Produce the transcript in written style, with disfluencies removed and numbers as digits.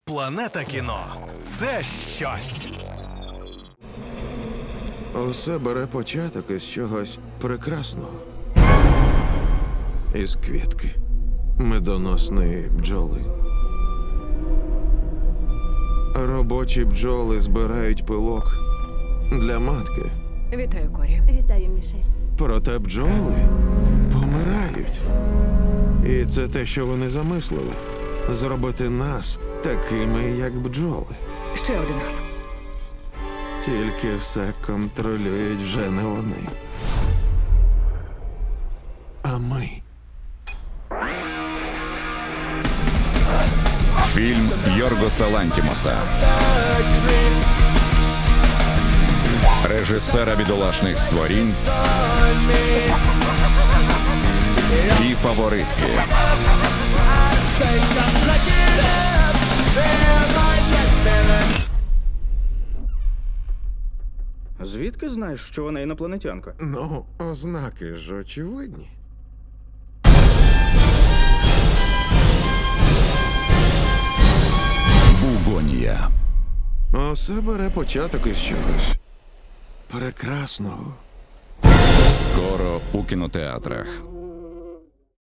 Планета кіно – це щось. Усе бере початок із чогось прекрасного. Із квітки медоносної бджоли. Робочі бджоли збирають пилок для матки. Вітаю, Корі. Вітаю, Мішель. Проте бджоли помирають. І це те, що вони замислили. Зробити нас такими, як бджоли. Ще один раз. Тільки все контролюють вже не вони. А ми. Фільм Йоргоса Лантімоса, режисера бідолашних створінь і фаворитки. Звідки знаєш, що вона інопланетянка? Ну, ознаки ж очевидні. Бугонія. Усе бере початок із чогось прекрасного. Скоро у кінотеатрах.